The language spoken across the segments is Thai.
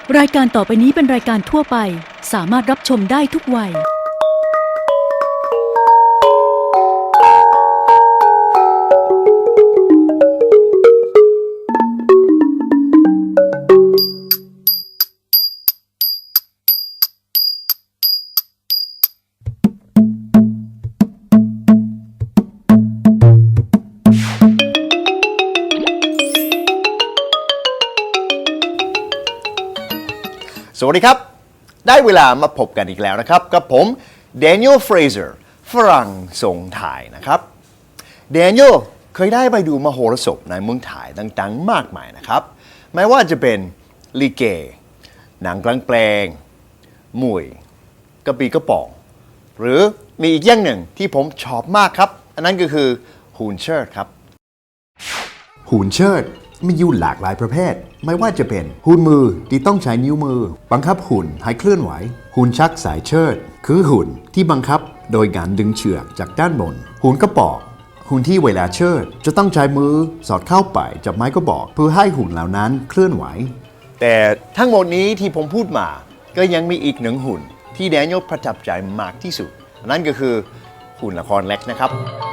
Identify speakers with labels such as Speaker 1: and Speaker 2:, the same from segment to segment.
Speaker 1: รายการต่อไปนี้เป็นรายการทั่วไปสามารถรับชมได้ทุกวัย
Speaker 2: สวัสดีครับได้เวลามาพบกันอีกแล้วนะครับกับผม Daniel Fraser ฝรั่งทรงไทยนะครับ Daniel เคยได้ไปดูมโหรสพในเมืองไทยต่างๆมากมายนะครับไม่ว่าจะเป็นลิเกหนังกลางแปลงมวยกระบี่กระป๋องหรือมีอีกอย่างหนึ่งที่ผมชอบมากครับอันนั้นก็คือหูนเชิดครับหูนเชิดมีอยู่หลากหลายประเภทไม่ว่าจะเป็นหุ่นมือที่ต้องใช้นิ้วมือบังคับหุ่นให้เคลื่อนไหวหุ่นชักสายเชิดคือหุ่นที่บังคับโดยการดึงเชือกจากด้านบนหุ่นกระบอกหุ่นที่เวลาเชิดจะต้องใช้มือสอดเข้าไปจับไม้กระบอกเพื่อให้หุ่นเหล่านั้นเคลื่อนไหวแต่ทั้งหมดนี้ที่ผมพูดมาก็ยังมีอีกหนึ่งหุ่นที่แดเนียลประทับใจมากที่สุดนั่นก็คือหุ่นละครเล็กนะครับ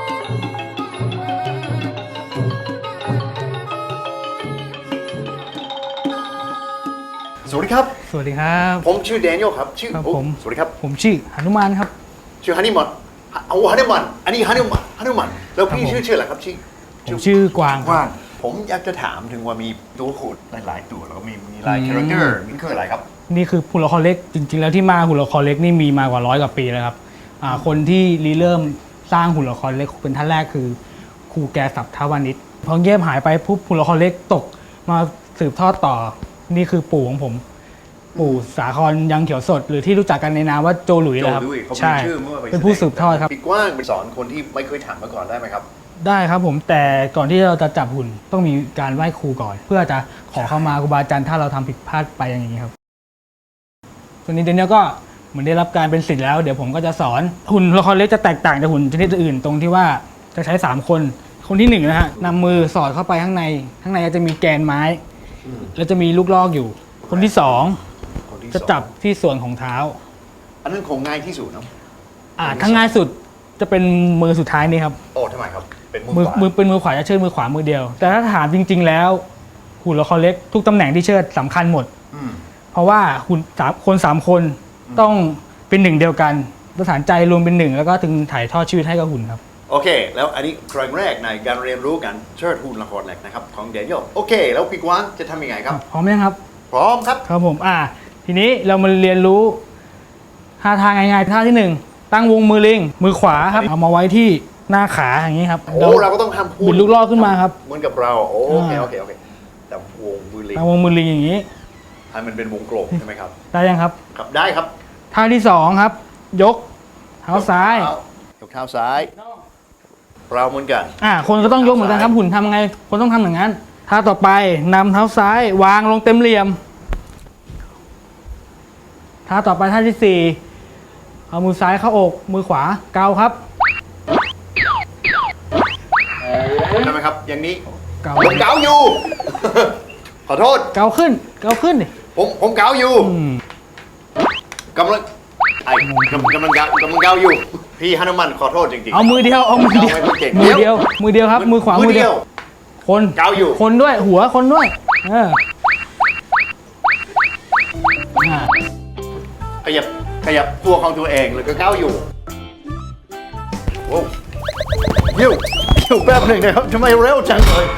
Speaker 2: สวัสดีครับ
Speaker 3: สวัสดีครับ
Speaker 2: ผมชื่อแดเนียลครับชื่อผมสวัสดีครับ
Speaker 3: ผมชื่อหนุมานครับ
Speaker 2: ชื่อฮันนี่มันฮันนี่มันอันนี้ฮันนี่มันแล้วพี่ชื่ออะไรครับ
Speaker 3: ผมชื่อกวาง
Speaker 2: ผมอยากจะถามถึงว่ามีตัวขุดหลายตัวแล้วก็มีหลายคาแรคเตอร์นี่คืออะไรครับ
Speaker 3: นี่คือหุ่นละครเล็กจริงๆแล้วที่มาหุ่นละครเล็กนี่มีมากว่า100 กว่าปีแล้วครับคนที่เริ่มสร้างหุ่นละครเล็กเป็นท่านแรกคือครูแกศัพท์ทวานิชพอเงียบหายไปปุ๊บหุ่นละครเล็กตกมาสืบทอดต่อนี่คือปู่ของผมปู่สาครยังเขียวสดหรือที่รู้จักกันในนามว่าโจหลุยนะครับ
Speaker 2: ใช่
Speaker 3: เป็นผู้สืบทอดครับ
Speaker 2: พี่กว้างเป็นสอนคนที่ไม่เคยถามมาก่อนได้ไหมครับ
Speaker 3: ได้ครับผมแต่ก่อนที่เราจะจับหุ่นต้องมีการไหว้ครูก่อนเพื่อจะขอเข้ามาครูบาอาจารย์ถ้าเราทำผิดพลาดไปอย่างนี้ครับส่วนนี้เดนเนียลก็เหมือนได้รับการเป็นศิษย์แล้วเดี๋ยวผมก็จะสอนหุ่นละครเล็กจะแตกต่างจากหุ่นชนิดอื่นตรงที่ว่าจะใช้3คนคนที่1นะฮะนำมือสอดเข้าไปข้างในจะมีแกนไม้แล้วจะมีลูกลอกอยู่คนที่2จะจับที่ส่วนของเท้า
Speaker 2: อันนั้นคงง่ายที่สุดเนาะ
Speaker 3: ถ้าง่ายสุดจะเป็นมือสุดท้ายนี่ครับ
Speaker 2: โอ้ทำไมครับเป็น
Speaker 3: มือขวาจะเชิดมือขวามือเดียวแต่ถ้าถามจริงๆแล้วหุ่นละครเล็กทุกตำแหน่งที่เชิดสำคัญหมดเพราะว่าหุ่น3 คนต้องเป็นหนึ่งเดียวกันประสานใจรวมเป็นหนึ่งแล้วก็ถึงถ่ายทอดชีวิตให้กับหุ่นครับ
Speaker 2: โอเคแล้วอันนี้ครั้งแรกในการเรียนรู้กันเชิดหุ่นละครเล็กนะครับของเดนเนียลโอเคแล้วพี่กวางจะทำยังไงครับ
Speaker 3: พร้อมไหมครับ
Speaker 2: พร้อมครับ
Speaker 3: ครับผมทีนี้เรามาเรียนรู้ท่าทางง่ายๆท่าที่1ตั้งวงมือลิงมือขวาครับเอามาไว้ที่หน้าขาอย่างนี้ครับ
Speaker 2: เราก็ต้องทำ
Speaker 3: บิดลูกลอกขึ้นมาครับ
Speaker 2: เหมือนกับเราโอเคแต่วงมือลิง
Speaker 3: ตั้งวงมือลิงอย่างนี้
Speaker 2: ให้มันเป็นวงกลมใช่ไหมครับ
Speaker 3: ได้ยังครับ
Speaker 2: ครับได้ครับ
Speaker 3: ท่าที่2ครับยกเท้าซ้าย
Speaker 2: ยกเท้าซ้ายเราเหมือนกัน
Speaker 3: คนก็ต้องยกเหมือนกันครับหุ่นทำไงคนต้องทำอย่างนั้นท่าต่อไปนำเท้าซ้ายวางลงเต็มเหลี่ยมท่าต่อไปท่าที่4เอามือซ้ายเข้าอกมือขวาเกาครับ
Speaker 2: ได้ไหมครับอย่างนี้ผมเกาอยู่ขอโทษ
Speaker 3: เกาขึ้นดิ
Speaker 2: ผมเกาอยู่กำลังเกาอยู่พี่ฮานุมันขอโทษจริงๆ
Speaker 3: เอามือเดียวมือเดียวครับมือขวามือเดียวคน
Speaker 2: เกาอยู่
Speaker 3: คนด้วยหัวคนด้วย
Speaker 2: ขยับตัวของตัวเองแล้วก็เกาอยู่โอ้ยิ้วแป๊บหนึ่งนะครับทำไมเร็วจังเลย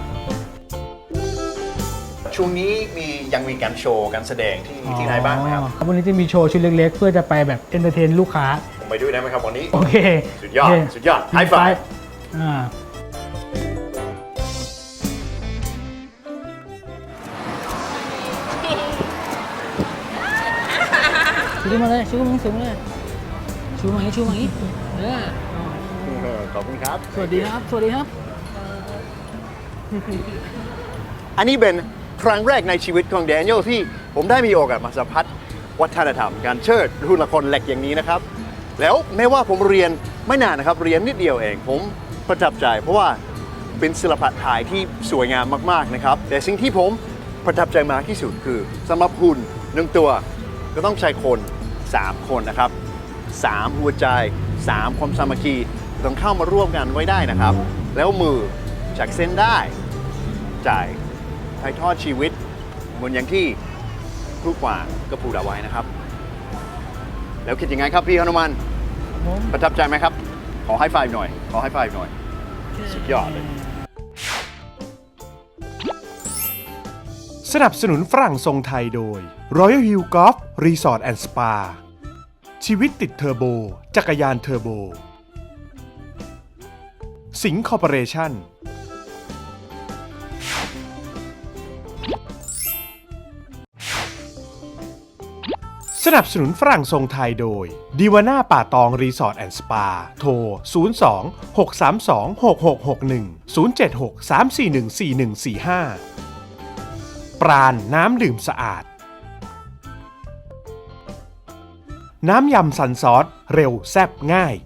Speaker 2: ช่วงนี้ยังมีการโชว์การแสดงที่ไหนบ้างไหมครับ
Speaker 3: วันนี้จะมีโชว์ชุดเล็กๆเพื่อจะไปแบบเอนเตอร์เทนลูกค้า
Speaker 2: ผมไปด้วยได้ไหมครับวันนี้
Speaker 3: โอเค
Speaker 2: สุดยอดไฮไฟว์
Speaker 3: ชูมาเลยชูมาเลยชูมาอย่างนี้
Speaker 2: ขอบคุณครับ
Speaker 3: สวัสดีครับ
Speaker 2: อันนี้เป็นครั้งแรกในชีวิตของแดเนียลที่ผมได้มีโอกาสมาสัมผัสวัฒนธรรมการเชิดหุ่นละครเล็กอย่างนี้นะครับแล้วแม้ว่าผมเรียนไม่นานนะครับเรียนนิดเดียวเองผมประทับใจเพราะว่าเป็นศิลปะไทยที่สวยงามมากๆนะครับแต่สิ่งที่ผมประทับใจมากที่สุดคือสำหรับหุ่น1ตัวก็ต้องใช้คน3คนนะครับ3หัวใจ3ความสามัคคีต้องเข้ามาร่วมกันไว้ได้นะครับ แล้วมือจากเส้นได้จ่ายถ่ายทอดชีวิตเหมือนอย่างที่ครูกวางก็พูดเอาไว้นะครับ แล้วคิดยังไงครับพี่ฮนุมานประทับใจไหมครับ ขอให้ไฟหน่อย ขอให้ไฟหน่อย สุดยอดเลย
Speaker 4: สนับสนุนฝรั่งทรงไทยโดย Royal Hill Golf Resort and Spa ชีวิตติดเทอร์โบ จักรยานเทอร์โบ สิงห์คอร์ปอเรชั่น สนับสนุนฝรั่งทรงไทยโดยดีวาน่าป่าตองรีสอร์ทแอนด์สปาโทร 02 632 6661 076 341 4145 ปราณน้ำดื่มสะอาด น้ำยำซันซอสเร็วแซ่บง่าย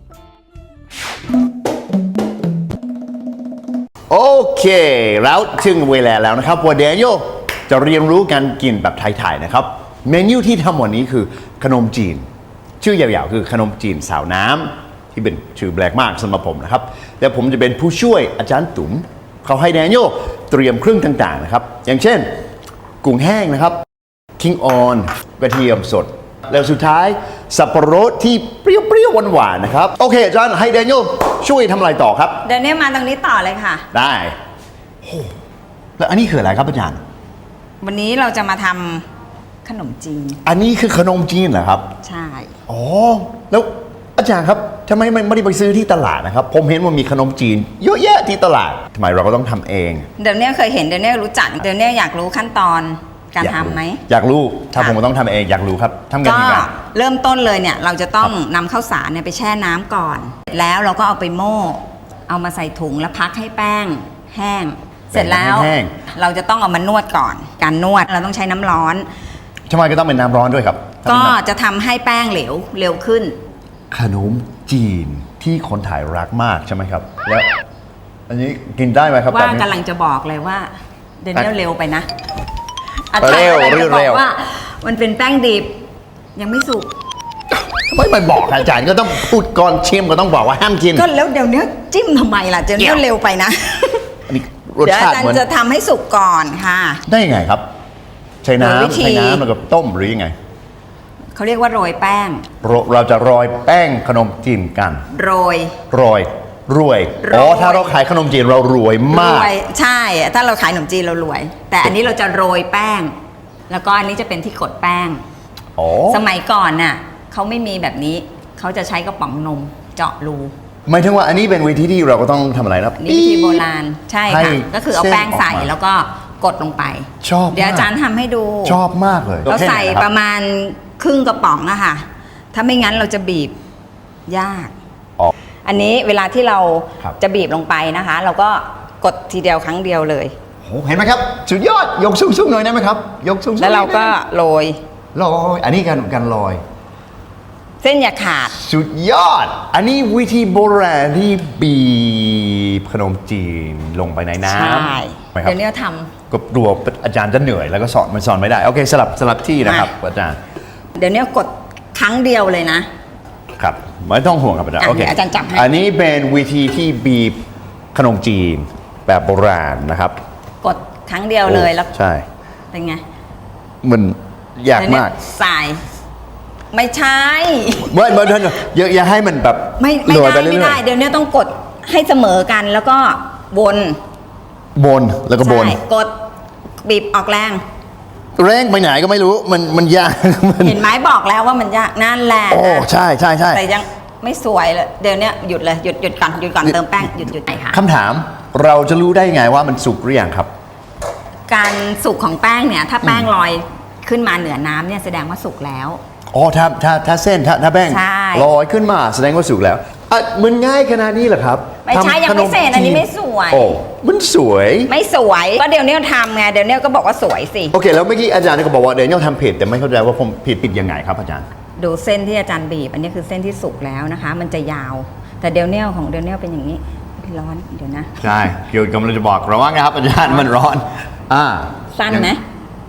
Speaker 2: โอเค แล้วถึงเวลาแล้วนะครับว่าแดเนียลจะเรียนรู้การกินแบบไทยๆนะครับ เมนูที่ทำวันนี้คือขนมจีน ชื่อยาวๆคือขนมจีนสาวน้ำที่เป็นชื่อแปลกมากสำหรับผมนะครับแต่ผมจะเป็นผู้ช่วยอาจารย์ตุ๋มเขาให้แดเนียลเตรียมเครื่องต่างๆนะครับอย่างเช่นกุ้งแห้งนะครับคิงออนกระเทียมสด แล้วสุดท้ายสับปะรดที่เปรี้ยวๆหวานๆนะครับโอเคอาจารย์ให้แดเนียลช่วยทำอะไรต่อครับ
Speaker 5: เดี๋ยวนี้มาตรงนี้ต่อเลยค่ะ
Speaker 2: ได้โอ้แล้วอันนี้คืออะไรครับอาจารย์
Speaker 5: วันนี้เราจะมาทำขนมจีน
Speaker 2: อันนี้คือขนมจีนเหรอครับ
Speaker 5: ใช่
Speaker 2: อ๋อ แล้วอาจารย์ครับทำไมไม่ได้ไปซื้อที่ตลาดนะครับ ผมเห็นว่ามีขนมจีนเยอะแยะที่ตลาดทำไมเราก็ต้องทำเอง
Speaker 5: เดี๋ยวนี้เคยเห็นเดี๋ยวนี้รู้จักเดี๋ยวนี้อยากรู้ขั้นตอนการทำไหม
Speaker 2: อยากรู้ ถ้า
Speaker 5: ค่ะ
Speaker 2: ผมต้องทำเองอยากรู้ครับทำกัน
Speaker 5: ก็
Speaker 2: ยังไง
Speaker 5: เริ่มต้นเลยเนี่ยเราจะต้องนำข้าวสารเนี่ยไปแช่น้ำก่อน แล้วเราก็เอาไปโม่เอามาใส่ถุงแล้วพักให้แป้งแห้ง เสร็จแล้ว
Speaker 2: แห้ง
Speaker 5: เราจะต้องเอามานวดก่อน การนวดเราต้องใช้น้ำร้อน
Speaker 2: ทำไมก็ต้องเป็นน้ำร้อนด้วยครับ
Speaker 5: ก็จะทำให้แป้งเหลวเร็วขึ้น
Speaker 2: ขนมจีนที่คนไทยรักมากใช่ไหมครับ แล้ว อันนี้กินได้ไหมครับ
Speaker 5: ว่า
Speaker 2: แบบนี้
Speaker 5: กำลังจะบอกเลยว่าเดนเนลเร็วไปนะ
Speaker 2: เร็ว
Speaker 5: อาจารย์กำลังจะบ
Speaker 2: เร็
Speaker 5: อ
Speaker 2: ว
Speaker 5: กว่ามันเป็นแป้งดิบยังไม่สุก
Speaker 2: ทำไมไม่บอกอาจารย์ก็ต้องพูดก่อนชิมก็ต้องบอกว่าห้ามกิน
Speaker 5: ก็แล้วเดี๋ยวนี้จิ้มทำไมล่ะเดนเนลเร็วไปนะ
Speaker 2: อันนี้รส
Speaker 5: เดี๋ยวอา
Speaker 2: ชาติ
Speaker 5: จาร
Speaker 2: เหมือน
Speaker 5: ย์จะทำให้สุกก่อนค่ะ
Speaker 2: ได้ยังไงครับ ใช้
Speaker 5: โดยวิ
Speaker 2: น้ำ
Speaker 5: ธี
Speaker 2: ใช้น้ำแล้วก็ต้มหรือยังไง
Speaker 5: เขาเรียกว่าโรยแป้ง
Speaker 2: เราจะโรยแป้งขนมจีนกัน
Speaker 5: โรย
Speaker 2: โรยรวย
Speaker 5: โรย
Speaker 2: อ๋อถ้าเราขายขนมจีนเรารวยมาก
Speaker 5: รวยใช่ ถ้าเราขายขนมจีนเรารวย แต่อันนี้เราจะโรยแป้ง แล้วก็อันนี้จะเป็นที่กดแป้ง
Speaker 2: อ๋อ
Speaker 5: สมัยก่อนน่ะเขาไม่มีแบบนี้เขาจะใช้กระป๋องนมเจาะรู
Speaker 2: หมายถึงว่าอันนี้เป็นวิธีที่เราก็ต้องทำอะไรนะ
Speaker 5: นี่วิธีโบราณใช่
Speaker 2: ให้
Speaker 5: ค่ะก็คือเอาแป้งใส่
Speaker 2: เส้นออกมา
Speaker 5: แล้วก็กดลงไป
Speaker 2: ชอบมาก
Speaker 5: เดี๋ยวอาจารย์ทำให้ดู
Speaker 2: ชอบมากเลย
Speaker 5: เราใส่
Speaker 2: แค่ไหนคบ
Speaker 5: ประมาณครึ่งกระป๋องอะค่ะ ถ้าไม่งั้นเราจะบีบยาก
Speaker 2: อ๋อ
Speaker 5: อันนี้เวลาที่เรา
Speaker 2: ครับ
Speaker 5: จะบีบลงไปนะคะ เราก็กดทีเดียวครั้งเดียวเลย
Speaker 2: โหเห็นไหมครับ สุดยอดยกสูงๆหน่อยได้ไหมครับ ยกสูงๆ
Speaker 5: แล้วเราก็โรย
Speaker 2: ลอยอันนี้การลอย
Speaker 5: เส้นอย่าขาด
Speaker 2: สุดยอด อันนี้วิธีโบราณที่บีบขนมจีนลงไปในน้ำ
Speaker 5: ใช่
Speaker 2: ไหมครับ
Speaker 5: เดี๋ยวนี้ท
Speaker 2: ก็กลัวอาจารย์จะเหนื่อยแล้วก็สอนไม่ได้ โอเคสลับที่นะครับอาจารย์
Speaker 5: ำเดี๋ยวนี้กดครั้งเดียวเลยนะ
Speaker 2: ครับไม่ต้องห่วงครับอาจารย์
Speaker 5: อ่ะ
Speaker 2: โอเค
Speaker 5: เดี๋ยวอาจารย์จับให้
Speaker 2: อันนี้เป็นวิธีที่บีบขนมจีนแบบโบราณนะครับ
Speaker 5: กดครั้งเดียวเลยแล้ว
Speaker 2: ใช่
Speaker 5: เป็นไง
Speaker 2: มันยาก
Speaker 5: เดี๋ยวนี้
Speaker 2: มาก
Speaker 5: ใส่ไม่ใช่
Speaker 2: เมื่อท่านอย่าให้มันแบบ
Speaker 5: ไม่
Speaker 2: โรย
Speaker 5: ได้
Speaker 2: ปเรื่
Speaker 5: ไม่
Speaker 2: อยๆ
Speaker 5: ได้เดี๋ยวนี้ต้องกดให้เสมอกันแล้วก็วน
Speaker 2: บนแล้วก็บน
Speaker 5: ใช่กดบีบออกแรง
Speaker 2: แรงไปไหนก็ไม่รู้มันยาก
Speaker 5: เห็นไหมบอกแล้วว่ามันยากนั่นแหละ
Speaker 2: โอ้ใช่ใช่ใช่
Speaker 5: แต่ยังไม่สวยเลยเดี๋ยวนี้หยุดเลยหยุดก่อนเติมแป้งหยุดไหนค่ะ
Speaker 2: คำถามเราจะรู้ได้ไงว่ามันสุกหรือยังครับ
Speaker 5: การสุกของแป้งเนี่ยถ้าแป้งลอยขึ้นมาเหนือน้ำเนี่ยแสดงว่าสุกแล้ว
Speaker 2: อ๋อถ้าเส้นถ้าแป้ง
Speaker 5: ใช่
Speaker 2: ลอยขึ้นมาแสดงว่าสุกแล้วอ่ะมันง่ายขนาดนี้เหรอครับ
Speaker 5: ไม่ใช่
Speaker 2: ทำ
Speaker 5: ยังไม่เสร็จอันนี้ไม่สวย
Speaker 2: โอ้มันสวย
Speaker 5: ไม่สวยก็เดี๋ยวนี้ทำไงเดี๋ยวนี้ก็บอกว่าสวยสิ
Speaker 2: โอเคแล้วเมื่อกี้อาจารย์ก็บอกว่าเดนยลทำผิดแต่ไม่เข้าใจว่าผมผิดยังไงครับอาจารย์
Speaker 5: ดูเส้นที่อาจารย์บีบอันนี้คือเส้นที่สุกแล้วนะคะ มันจะยาว แต่เดลเนียลของเดลเนียลเป็นอย่างนี้ร้อนเดี๋ยวนะ
Speaker 2: ใช่เกี่ยวกับเราจะบอกระวังนะครับอาจารย์มันร้อน
Speaker 5: สั้นไหม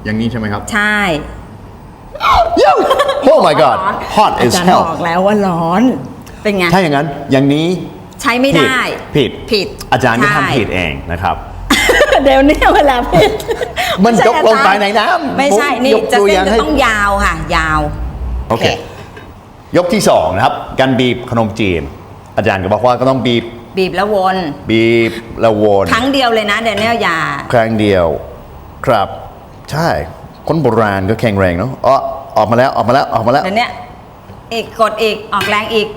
Speaker 2: อย่างนี้ใช่ไหมครับ
Speaker 5: ใช่
Speaker 2: Oh my god hot
Speaker 5: อา
Speaker 2: as
Speaker 5: จารย์
Speaker 2: hell
Speaker 5: บอกแล้วว่าร้อน เป็นไง
Speaker 2: ถ้าอย่างนั้นอย่างนี้
Speaker 5: ใช้ไม่ได้
Speaker 2: ผิดอาจารย์ก็ทำผิดเองนะครับ
Speaker 5: เดี๋ยวนี้เวลาผิด
Speaker 2: มันยกลงไปในน้ำ
Speaker 5: ไม่ใช่ นี่
Speaker 2: ยก
Speaker 5: จะ
Speaker 2: ตัว
Speaker 5: เส้
Speaker 2: อน ย่าง
Speaker 5: จะ
Speaker 2: ให้
Speaker 5: ต้องยาวค่ะ ยาว
Speaker 2: โอเค ยกที่2นะครับการบีบขนมจีน อาจารย์ก็บอกว่าก็ต้องบีบ
Speaker 5: บีบแล้ววน
Speaker 2: บีบแล้ววน
Speaker 5: ครั้งเดียวเลยนะเดี๋ยวนี้อย่า
Speaker 2: ครั้งเดียวครับใช่คนโบราณก็แข็งแรงเนาะออกมาแล้ว
Speaker 5: เดี๋ยวนี้อีกกดอีกออกแรงอีก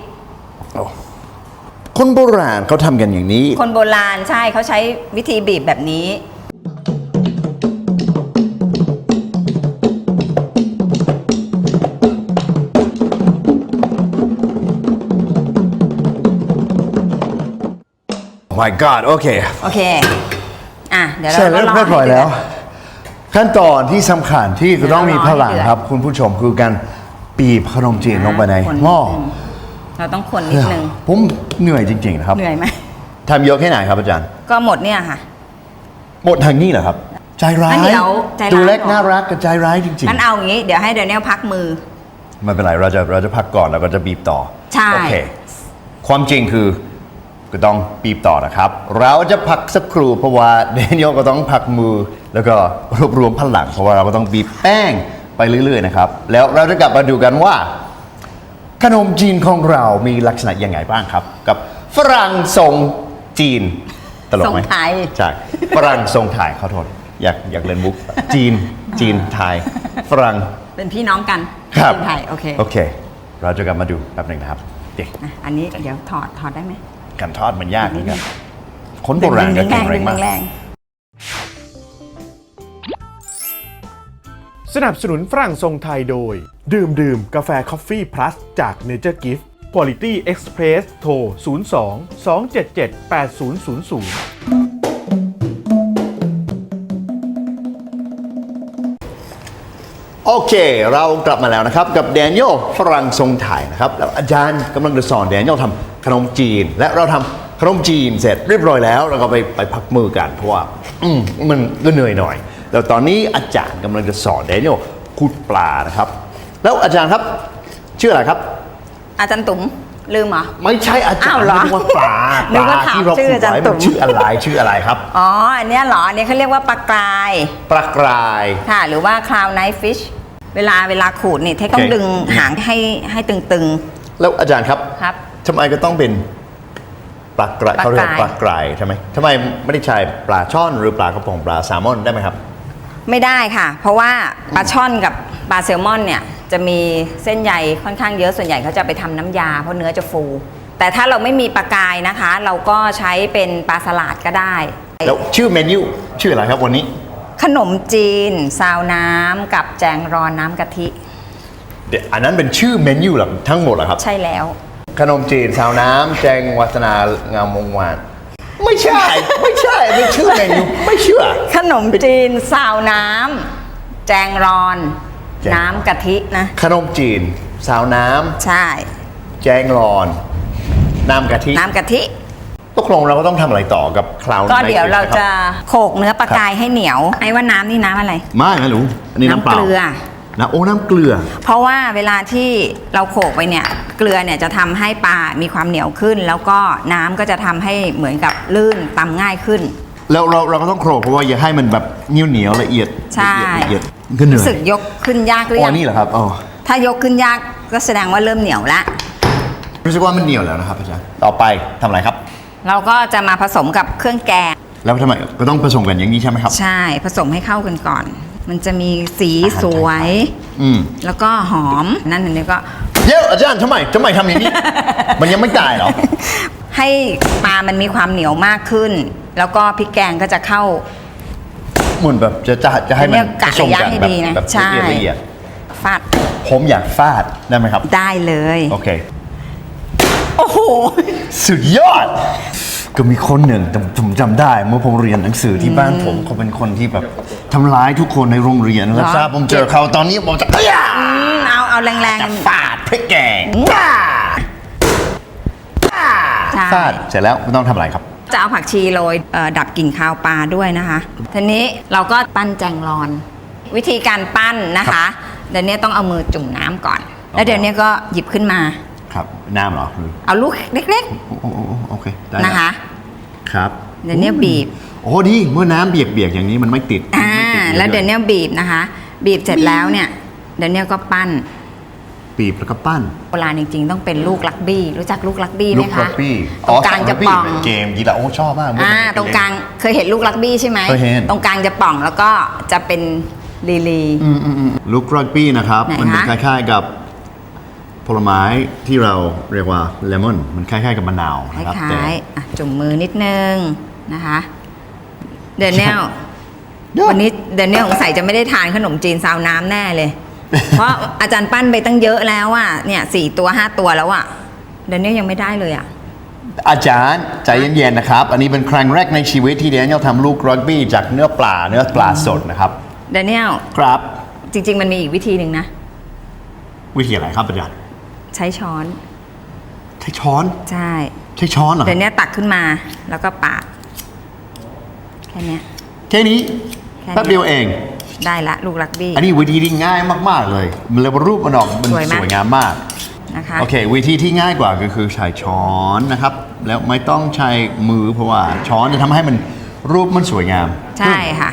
Speaker 2: คนโบราณเขาทำกันอย่างนี้
Speaker 5: คนโบราณใช่เขาใช้วิธีบีบแบบนี้
Speaker 2: My God โอเค
Speaker 5: โอเค อ่ะ เดี๋ยวเรา
Speaker 2: เสร็จแล้ว
Speaker 5: ก็
Speaker 2: เรียบร้อยแล้ว ขั้นตอนที่สำคัญที่จะต้องมีพลัง
Speaker 5: เดี๋ยวเรารอให้เดือด
Speaker 2: ครับ คุณผู้ชมคือการบีบขนมจีนลงไปใน
Speaker 5: คน
Speaker 2: หม้อ
Speaker 5: เราต้องคนนิดนึง
Speaker 2: ผมเหนื่อยจริงๆนะครับ
Speaker 5: เหนื่อยไหม
Speaker 2: ทำเยอะแค่ไหนครับอาจารย์
Speaker 5: ก็หมดเนี่ยค่ะ
Speaker 2: หมดทางนี้เหรอครับ ใจร้า
Speaker 5: งั้
Speaker 2: ย
Speaker 5: นเดี๋ยวใจร้าย
Speaker 2: ตัวเล็ก
Speaker 5: ก่อน
Speaker 2: น่ารักกับใจร้ายจริง
Speaker 5: งั้นเอาอย่างนี้ เดี๋ยวให้เดนเนลพักมือ
Speaker 2: ๆไม่เป็นไรเราจะพักก่อนแล้วก็จะบีบต่อ
Speaker 5: ใช่
Speaker 2: โอเค ความจริงคือก็ต้องบีบต่อนะครับ เราจะพักสักครู่เพราะว่าเดนิเอลก็ต้องพักมือแล้วก็รวบรวมพลังเพราะว่าเราก็ต้องบีบแป้งไปเรื่อยๆนะครับ แล้วเราจะกลับมาดูกันว่า ขนมจีนของเรามีลักษณะยังไงบ้างครับ กับฝรั่งทรงจีนตลกไหม
Speaker 5: ทรงไทย
Speaker 2: ใช่ฝรั่งทรงไทยขอโทษอยากเล่นมุกจีนไทยฝรั่ง
Speaker 5: เป็นพี่น้องกัน
Speaker 2: ครับ
Speaker 5: เป็นไทยโอเค
Speaker 2: โอเค เราจะกลับมาดูแป๊บหนึ่งนะครับเด็ก
Speaker 5: อ่ะอันนี้เดี๋ยวถอดได้ไหม
Speaker 2: การทอดมันยากเหมือนกันคนโบราณก็แข็งแรงมาก
Speaker 5: แรง
Speaker 4: สนับสนุนฝรั่งทรงไทยโดย ดื่มกาแฟคอฟฟี่พลัสจาก Nature Gift Quality Express โทร 02 277 8000
Speaker 2: โอเค เรากลับมาแล้วนะครับกับแดเนียลฝรั่งทรงไทยนะครับแล้วอาจารย์กำลังจะสอนแดเนียลทำขนมจีน และเราทำขนมจีนเสร็จเรียบร้อยแล้วเราก็ไปพักมือกันเพราะว่ามันก็เหนื่อยหน่อยแล้วตอนนี้อาจารย์กำลังจะสอนแดเนียลขุดปลานะครับแล้วอาจารย์ครับชื่ออะไรครับ
Speaker 5: อาจารย์ตุ๋มลืมเหรอ
Speaker 2: ไม่ใช่อาจาร
Speaker 5: อ้าว
Speaker 2: ย์
Speaker 5: เหรอ
Speaker 2: เรียกว่าปลา
Speaker 5: นึกว่าถาม
Speaker 2: ที่เรา
Speaker 5: ชื่อ
Speaker 2: ขุด
Speaker 5: อาจารย์
Speaker 2: ไว้
Speaker 5: ตุ๋
Speaker 2: มัน
Speaker 5: ม
Speaker 2: ชื่ออะไรครับ
Speaker 5: อ๋อ อันเนี้ยเหรอ อันนี้เขาเรียกว่าปลากราย
Speaker 2: ปลากราย
Speaker 5: ค่ะ หรือว่า clown knife fish เวลาขูดนี่เทคต้อง
Speaker 2: โอเค
Speaker 5: ดึงหางให้ตึง
Speaker 2: แล้วอาจารย์ครับ
Speaker 5: ครับ
Speaker 2: ทำไมก็ต้องเป็นปลากราย
Speaker 5: ปลากราย
Speaker 2: เขาเรียกว่าปลากรายใช่ไหมทำไมไม่ได้ใช้ปลาช่อนหรือปลากระพงปลาแซลมอนได้ไหมครับ
Speaker 5: ๆ ไม่ได้ค่ะ เพราะว่าปลาช่อนกับปลาแซลมอนเนี่ย จะมีเส้นใยค่อนข้างเยอะ ส่วนใหญ่เขาจะไปทำน้ำยาเพราะเนื้อจะฟู แต่ถ้าเราไม่มีปลากรายนะคะ เราก็ใช้เป็นปลาสลัดก็ได้
Speaker 2: แล้วชื่อเมนูชื่ออะไรครับวันนี้
Speaker 5: ขนมจีน ซาวน้ำกับแจงรอนน้ำกะทิ
Speaker 2: เดี๋ยวอันนั้นเป็นชื่อเมนูหรอทั้งหมดเหรอครับ
Speaker 5: ใช่แล้ว
Speaker 2: ขนมจีนซาวน้ำแจงวัฒนางามวงวานไม่ใช่ ไม่ใช่เป็นชื่อเมนูไม่เชื่อ
Speaker 5: ขนมจีน ซาวน้ำแจงรอน น้ำกะทินะ
Speaker 2: ขนมจีนซาวน้
Speaker 5: ใช่
Speaker 2: ำแจงรอนน้ำกะทิ
Speaker 5: น้ำกะทิ
Speaker 2: ตกลงเราก็ต้องทำอะไรต่อกับคลาวน์
Speaker 5: ก็เดี๋ยวเราจะ
Speaker 2: คบ
Speaker 5: โขลกเนื้อปลากายให้เหนียว ไอ้ว่าน้ำนี่น้ำอะไร
Speaker 2: ไม่รู้อันนี้น้ำเปล่า
Speaker 5: น้ำเกลือ
Speaker 2: นะโอ้น้ำเกลือ
Speaker 5: เพราะว่าเวลาที่เราโขลกไปเนี่ย เกลือเนี่ยจะทำให้ปลามีความเหนียวขึ้น แล้วก็น้ำก็จะทำให้เหมือนกับลื่นตำง่ายขึ้น
Speaker 2: แล้วเราก็ต้องโขลกเพราะว่าอย่าให้มันแบบเหนียวละเอียด
Speaker 5: ใช่
Speaker 2: ละเอียดก็เหนื่อย
Speaker 5: รู้สึกยกขึ้นยากหรือ
Speaker 2: อ๋
Speaker 5: ยั
Speaker 2: อง นี่เหรอครับอ๋อ
Speaker 5: ถ้ายกขึ้นยากก็แสดงว่าเริ่มเหนียวละ
Speaker 2: รู้สึกว่ามันเหนียวแล้วนะครับอาจารย์ต่อไปทำอะไรครับ
Speaker 5: เราก็จะมาผสมกับเครื่องแกง
Speaker 2: แล้วทำไมก็ต้องผสมกันอย่างนี้ใช่ไหมครับ
Speaker 5: ใช่ผสมให้เข้ากันก่อน มันจะมีสีสวย
Speaker 2: อืม
Speaker 5: แล้วก็หอมนั่นอันนี้ก็
Speaker 2: เดี๋ยวอาจารย์ทำไมทำอย่างนี้ มันยังไม่ตายเหรอ
Speaker 5: ให้ปลามันมีความเหนียวมากขึ้น แล้วก็พริกแกงก็จะเข้า
Speaker 2: เหมือนแบบจะให้มัน
Speaker 5: เนี่ยกะ
Speaker 2: ผสม
Speaker 5: ระยะ
Speaker 2: กัน
Speaker 5: ให้
Speaker 2: แบบ
Speaker 5: ดีนะ
Speaker 2: แบบ
Speaker 5: ใช่
Speaker 2: ละเอียด
Speaker 5: ฟาด
Speaker 2: ผมอยากฟาดได้ไหมครับ
Speaker 5: ได้เลย
Speaker 2: โอเค
Speaker 5: โอ้โห
Speaker 2: สุดยอด ก็มีคนหนึ่งผมจำได้เมื่อผมเรียนหนังสือที่บ้านผมเขาเป็นคนที่แบบทำร้ายทุกคนในโรงเรียนแล้วทราบผมเจอเขาตอนนี้ผมจะเอ้ย
Speaker 5: เอาแรง
Speaker 2: จะฟาดพริกแกงว้า
Speaker 5: ๆใช่
Speaker 2: ฟาดเสร็จแล้วไม่ต้องทำอะไรครับ
Speaker 5: จะเอาผักชีโรยดับกลิ่นคาวปลาด้วยนะคะ ทีนี้เราก็ปั้นแจงรอนวิธีการปั้นนะคะเดี๋ยวนี้ต้องเอามือจุ่มน้ำก่อน แล้วเดี๋ยวนี้ก็หยิบขึ้นมา
Speaker 2: ครับน้ำเหรอ
Speaker 5: เอาลูกเล็ก
Speaker 2: โอเคได้
Speaker 5: ๆนะคะ
Speaker 2: ครับ
Speaker 5: เดี๋ยวนี้บีบ
Speaker 2: โอ้ดีเมื่อน้ำเบียกๆอย่างนี้มันไม่ติด
Speaker 5: แล้วเดี๋ยวนี้บีบนะคะ บีบเสร็จแล้วเนี่ยเดี๋ยวนี้ก็ปั้น
Speaker 2: บีบแล้วก็ปั้น
Speaker 5: โบราณจริงๆต้องเป็นลูกลักบี้รู้จักลูกลักบี้ไหม
Speaker 2: ลูก
Speaker 5: คะ
Speaker 2: รักบี้
Speaker 5: ตรงกลางจะป่อง
Speaker 2: เป็นเกมกีฬาโอ้ชอบมาก
Speaker 5: ตรงกลางเคยเห็นลูกลักบี้ใช่ไหม
Speaker 2: เคยเห็น
Speaker 5: ตรงกลางจะป่องแล้วก็จะเป็นลี
Speaker 2: ลูกรักบี้นะครับ
Speaker 5: ไหนคะ
Speaker 2: มันเป็นคล้ายๆกับผลไม้ที่เราเรียกว่าเลมอนมันคล้ายๆกับมะนาว
Speaker 5: ค
Speaker 2: นะครับ
Speaker 5: ล้ายๆจุ่มมือนิดนึงนะคะเดนเนล วันนี้เดนเนลสงสัยจะไม่ได้ทานขนมจีนซาวน้ำแน่เลย เพราะอาจารย์ปั้นไปตั้งเยอะแล้วอ่ะเนี่ย4 ตัว 5 ตัวแล้วอ่ะเดนเนลยังไม่ได้เลยอ่ะ
Speaker 2: อาจารย์ใจเย็นๆนะครับ อันนี้เป็นครั้งแรกในชีวิตที่เดนเนียลทำลูกรักบี้จากเนื้อปลาสดนะครับ
Speaker 5: เดนเนล
Speaker 2: ครับ
Speaker 5: จริง ๆ มันมีอีกวิธีหนึ่งนะ
Speaker 2: วิธีอะไรครับอาจารย์
Speaker 5: ใช้ช้อน
Speaker 2: ใช้ช้อน
Speaker 5: ใช่
Speaker 2: ใช้ช้อนเหรอ
Speaker 5: เดนเนลตักขึ้นมาแล้วก็ปาดแค่เนี้ย
Speaker 2: แค่นี้
Speaker 5: แค่นี้
Speaker 2: แป๊บเดียวเอง
Speaker 5: ได้ละลูกรักบี้
Speaker 2: อันนี้วิธีที่ง่ายมากๆเลยมันเลยรูปมันออกมัน
Speaker 5: สวยไหม
Speaker 2: สวยงามมาก
Speaker 5: นะคะ
Speaker 2: โอเค วิธีที่ง่ายกว่าก็คือใช้ช้อนนะครับ แล้วไม่ต้องใช้มือเพราะว่าช้อนจะทำให้มันรูปมันสวยงาม
Speaker 5: ใช่ค่ะ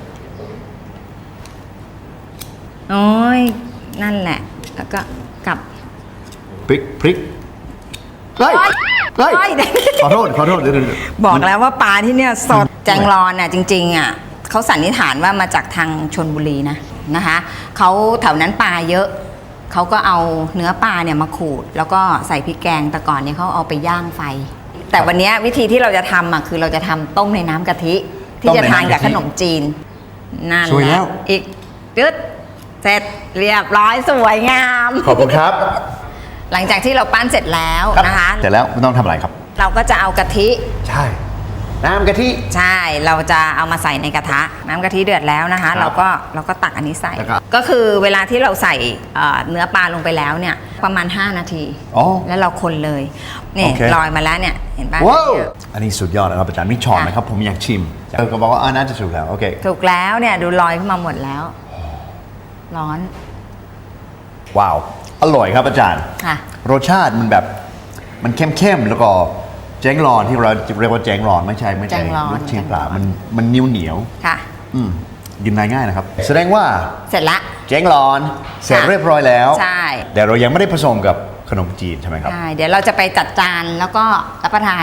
Speaker 5: โอ้ยนั่นแหละ แล้วก็กลับ
Speaker 2: พริกเฮ้ยเฮ้ย
Speaker 5: โอ๊ย
Speaker 2: ขอโทษเดี๋ยวๆ
Speaker 5: บอกแล้วว่าปลาที่เนี่ยสดแจงรอนน่ะจริงๆอ่ะเขาสันนิษฐานว่ามาจากทางชนบุรีนะคะเขาแถวนั้นปลาเยอะเขาก็เอาเนื้อปลาเนี่ยมาขูด แล้วก็ใส่พริกแกงแต่ก่อนเนี่ยเขาเอาไปย่างไฟ แต่วันเนี้ยวิธีที่เราจะทำอ่ะคือเราจะทำต้มในน้ำกะทิ ที่จะทานกับขนมจีนนั่น
Speaker 2: สวย
Speaker 5: แห
Speaker 2: แล้
Speaker 5: ละ
Speaker 2: ว
Speaker 5: อีกจึ๊ดเสร็จเรียบร้อยสวยงาม
Speaker 2: ขอบคุณครับ
Speaker 5: หลังจากที่เราปั้นเสร็จแล้วนะคะ
Speaker 2: เสร็จแล้วไม่ต้องทำอะไรครับ
Speaker 5: เราก็จะเอากะทิ
Speaker 2: ใช่ น้ำกะทิ
Speaker 5: ใช่ เราจะเอามาใส่ในกระทะ น้ำกะทิเดือดแล้วนะคะ
Speaker 2: ครับ
Speaker 5: เราก็ตักอันนี้ใส่
Speaker 2: แล้วก็
Speaker 5: ก็คือเวลาที่เราใส่เนื้อปลาลงไปแล้วเนี่ยประมาณ 5 นาที
Speaker 2: อ๋อ
Speaker 5: แล้วเราคนเลยนี่
Speaker 2: โอเค
Speaker 5: ลอยมาแล้วเนี่ยเห็นป่ะ
Speaker 2: ว้าวอันนี้สุดยอดนะครับอาจารย์มีช้อนไหมครับผมอยากชิมก็บอกว่าน่าจะสุกแล้วโอเค
Speaker 5: ถูกแล้วเนี่ยดูลอยขึ้นมาหมดแล้ว ร้อน
Speaker 2: ว้าวอร่อยครับอาจารย์
Speaker 5: ค่ะ
Speaker 2: รสชาติมันแบบมันเข้มๆแล้วก็แจ้งรอนที่เราเรียกว่าแจ้งรอนไม่ใช่
Speaker 5: แจ้งรอน
Speaker 2: ลูกชิ้นปลามันเหนียว
Speaker 5: ค่ะ
Speaker 2: กินได้ง่ายนะครับ แสดงว่า
Speaker 5: เสร็จละ
Speaker 2: แจ้งรอนเสร็จเรียบร้อยแล้ว
Speaker 5: ใช่
Speaker 2: แต่เรายังไม่ได้ผสมกับขนมจีนใช่ไหมครับ
Speaker 5: ใช่เดี๋ยวเราจะไปจัดจานแล้วก็รับประทาน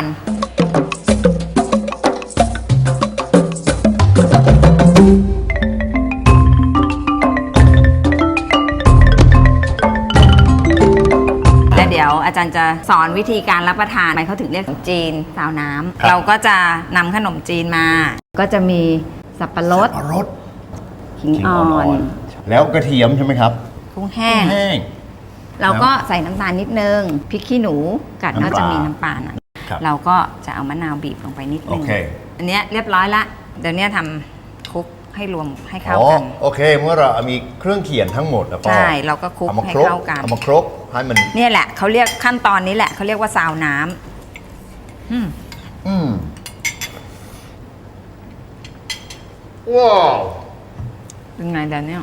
Speaker 5: และเดี๋ยวอาจารย์จะสอนวิธีการรับประทานทำไมเขาถึงเรียกขนมจีนซาวน้ำ
Speaker 2: ครับ
Speaker 5: เราก็จะนำขนมจีนมา ก็จะมีสับปะรด
Speaker 2: รส
Speaker 5: ขิงอ่อน
Speaker 2: แล้วกระเทียมใช่ไหมครับ
Speaker 5: กุ้งแห้ง
Speaker 2: แห้ง
Speaker 5: เราก็ใส่น้ำตาลนิดนึงพริกขี้หนูกัด
Speaker 2: น้ำปลา
Speaker 5: ก็จะมีน้ำปลาหน่อย
Speaker 2: ครับ
Speaker 5: เราก็จะเอามะนาวบีบลงไปนิดนึง
Speaker 2: โอเค
Speaker 5: อันเนี้ยเรียบร้อยละเดี๋ยวเนี้ยทำคลุกให้รวมให้เข้า
Speaker 2: อ๋อ
Speaker 5: กัน
Speaker 2: โอเค เมื่อเรามีเครื่องเคียงทั้งหมดแล้วก็
Speaker 5: ใช่เราก็คลุก
Speaker 2: เอามา
Speaker 5: ให้
Speaker 2: ครบ
Speaker 5: เข้ากัน
Speaker 2: เอามาครบให้มัน
Speaker 5: เนี่ยแหละเขาเรียกขั้นตอนนี้แหละเขาเรียกว่าซาวน้ำ
Speaker 2: อืมว้าว
Speaker 5: เป็นไงเดี๋ยวเนี้ย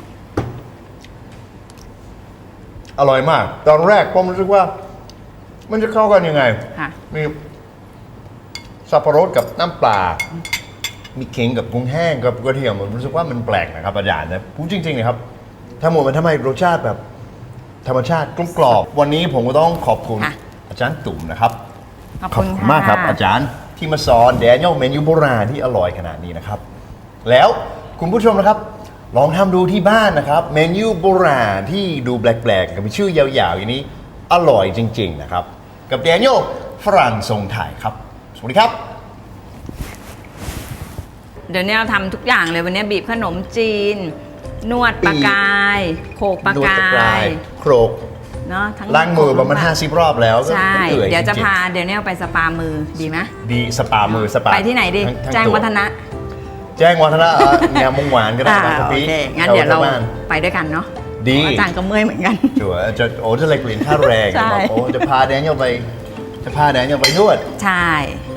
Speaker 2: อร่อยมาก ตอนแรกผมรู้สึกว่า มันจะเข้ากันยังไง
Speaker 5: ค่ะ
Speaker 2: มีสับปะรดกับน้ำปลา มีเค็งกับกุ้งแห้งกับกระเทียมผมรู้สึกว่ามันแปลกนะครับอาจารย์นะพูดจริงๆนะครับทั้งหมดมันทำให้รสชาติแบบธรรมชาติกลมกรอบวันนี้ผมก็ต้องขอบคุณ
Speaker 5: ค่ะ
Speaker 2: อาจารย์ตุ่มนะครับ
Speaker 5: ขอบคุณ
Speaker 2: มากครับ
Speaker 5: ค่ะ
Speaker 2: อาจารย์ที่มาสอนแดเนียลเมนูโบราณที่อร่อยขนาดนี้นะครับ แล้วคุณผู้ชมนะครับ ลองทำดูที่บ้านนะครับ เมนูโบราณที่ดูแปลกๆกับมีชื่อยาวๆอย่างนี้อร่อยจริงๆนะครับ กับแดเนียลฝรั่งทรงไทยครับ สวัสดีครับ
Speaker 5: เดี๋ยวเนี้ยเราทำทุกอย่างเลยวันเนี้ยบีบขนมจีน นวดปลากายโขกปลากาย
Speaker 2: โครก
Speaker 5: เนาะทั้ง
Speaker 2: ล้างมือประมาณ50 รอบแล้วก็
Speaker 5: ใช่
Speaker 2: หนื่อ
Speaker 5: เดี๋ยวจะ
Speaker 2: ริงๆ
Speaker 5: พาเดี๋ยวเนี้ยไปสปามือดีไหม
Speaker 2: ดีสปามือสปา
Speaker 5: ไปที่ไหนดี
Speaker 2: ทั้
Speaker 5: แจ้ง
Speaker 2: ตัว
Speaker 5: วัฒนะ
Speaker 2: แจ้งวัฒนะงามวงวานก็ได้
Speaker 5: อ่า
Speaker 2: นะครับ
Speaker 5: โอ
Speaker 2: พี่
Speaker 5: เคงั้นเดี๋ยวเรา
Speaker 2: บ้าน
Speaker 5: ไปด้วยกันเนาะ
Speaker 2: ดี
Speaker 5: อาจารย์ก็เมื่อยเหมือนกัน
Speaker 2: จั่วจะเล็กเหรียญค่าแรง
Speaker 5: ใช่
Speaker 2: บอกโอ้จะพาแดเนียลไปนวด
Speaker 5: ใช่